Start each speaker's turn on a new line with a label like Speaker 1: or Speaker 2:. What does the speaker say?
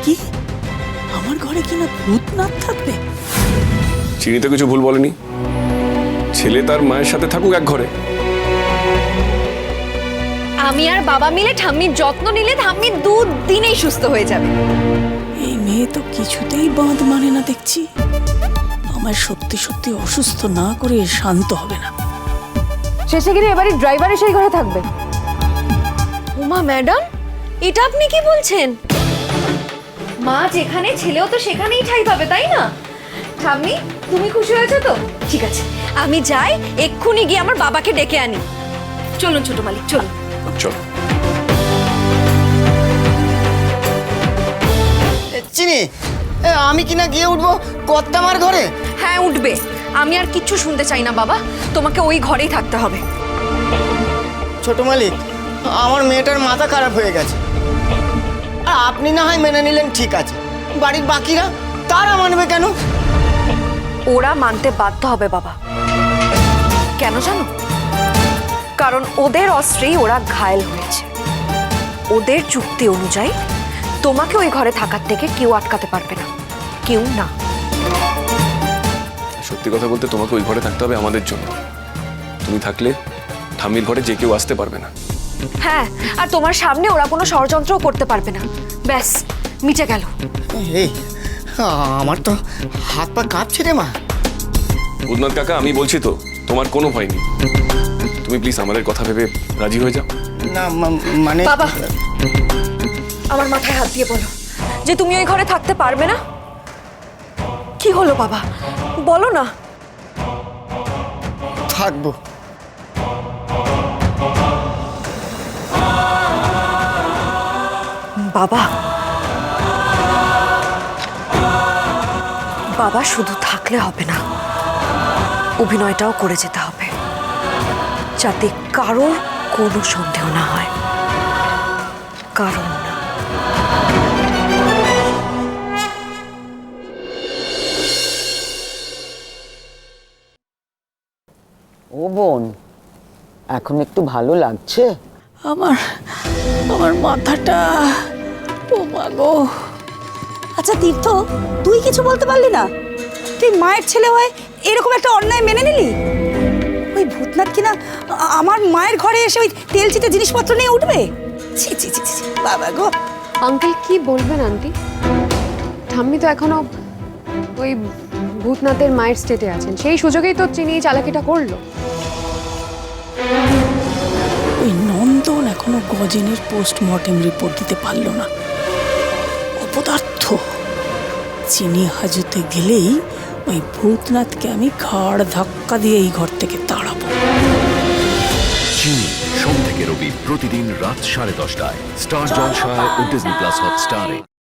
Speaker 1: কি আমার ঘরে কিনা ভূতনাথ থাকবে?
Speaker 2: চিনি তো কিছু ভুল বলেনি। ছেলে তার মায়ের সাথে থাকুক এক ঘরে।
Speaker 3: আমি আর বাবা মিলে ঠাম্মির যত্ন নিলে ঠাম্মি 2 দিনেই সুস্থ হয়ে যাবে।
Speaker 1: এই মেয়ে তো কিছুতেই বাঁধ মানে না দেখছি। আমার সত্যি সত্যি অসুস্থ না করে শান্ত হবে না।
Speaker 4: শেষে গিয়ে এবারে ড্রাইভার সেই ঘরে থাকবে।
Speaker 3: উমা ম্যাডাম, এটা আপনি কি বলছেন? মা যেখানে ছেলেও তো সেখানেই ঠাঁই পাবে, তাই না? ঠাম্মি, তুমি খুশি হয়েছো তো? ঠিক আছে, আমি যাই, এক্ষুনি গিয়ে আমার বাবাকে ডেকে আনি। চলুন ছোট মালিক, চলুন।
Speaker 2: চল।
Speaker 5: চিনি, আমি কিনা গিয়ে উঠবো কর্তামার ঘরে?
Speaker 3: হ্যাঁ উঠবে। আমি আর কিচ্ছু শুনতে চাই না বাবা, তোমাকে ওই ঘরেই থাকতে হবে।
Speaker 5: ছোট মালিক, আমার মেয়েটার মাথা খারাপ হয়ে গেছে। আর আপনি না হয় মেনে নিলেন, ঠিক আছে, বাড়ির বাকিরা তারা মানবে কেন?
Speaker 3: ওরা মানতে বাধ্য হবে বাবা। কেন জানো? কারণ ওদের অস্ত্রেই ওরা ঘায়েল হয়েছে। ওদের চুক্তি অনুযায়ী তোমাকে ওই ঘরে থাকার থেকে কেউ আটকাতে পারবে না, কেউ না।
Speaker 2: সত্যি কথা বলতে তোমাকে ওই ঘরে থাকতে হবে আমাদের জন্য। তুমি থাকলে ঠাম্মির ঘরে যে কেউ আসতে পারবে না।
Speaker 3: হ্যাঁ, আর তোমার সামনে ওরা কোনো ষড়যন্ত্রও করতে পারবে না। ব্যাস, মিটে গেল।
Speaker 5: এই, আমার তো হাত পা কাঁপছে রে মা।
Speaker 2: ভূতনাথ কাকা, আমি বলছি তো, তোমার কোনো ভয় নেই। তুমি প্লিজ আমাদের কথা ভেবে রাজি হয়ে যাও।
Speaker 5: না মানে
Speaker 3: বাবা, আমার মাথায় হাত দিয়ে বলো যে তুমি ওই ঘরে থাকতে পারবে না। কি হলো বাবা, বলো না।
Speaker 5: থাকবো।
Speaker 3: বাবা, বাবা শুধু থাকলে হবে না, অভিনয়টাও করে যেতে হবে, যাতে কারোর কোনো সন্দেহ না হয়। কারণ না।
Speaker 5: ও বোন, এখন একটু ভালো লাগছে?
Speaker 1: আমার আমার মাথাটা, ও মা গো।
Speaker 6: আচ্ছা তীর্থ, তুই কিছু বলতে পারলি না? তুই মায়ের ছেলে হয়ে এরকম একটা অন্যায় মেনে নিলি? ওই ভূতনাথ কিনা আমার মায়ের ঘরে এসে ওই তেল চিটে জিনিসপত্র নিয়ে উঠবে? ছি ছি ছি ছি, বাবা গো।
Speaker 4: আঙ্কেল কি বলবেন আন্টি? ঠাম্মি তো এখনো ওই ভূতনাথের মায়ের স্টেটে আছেন, সেই সুযোগেই তো চিনি চালাকিটা করলো।
Speaker 1: ওই নন্দন এখনো গজেনের পোস্টমর্টেম রিপোর্ট দিতে পারলো না। অপদার্থ। চিনি হাজতে গেলেই ওই ভূতনাথকে আমি ঘাড় ধাক্কা দিয়ে এই ঘর থেকে তাড়াবো।
Speaker 7: চিনি, সোম থেকে রবি প্রতিদিন রাত 10:30টায় স্টার জলসায় ও ডিজনি প্লাস হটস্টারে।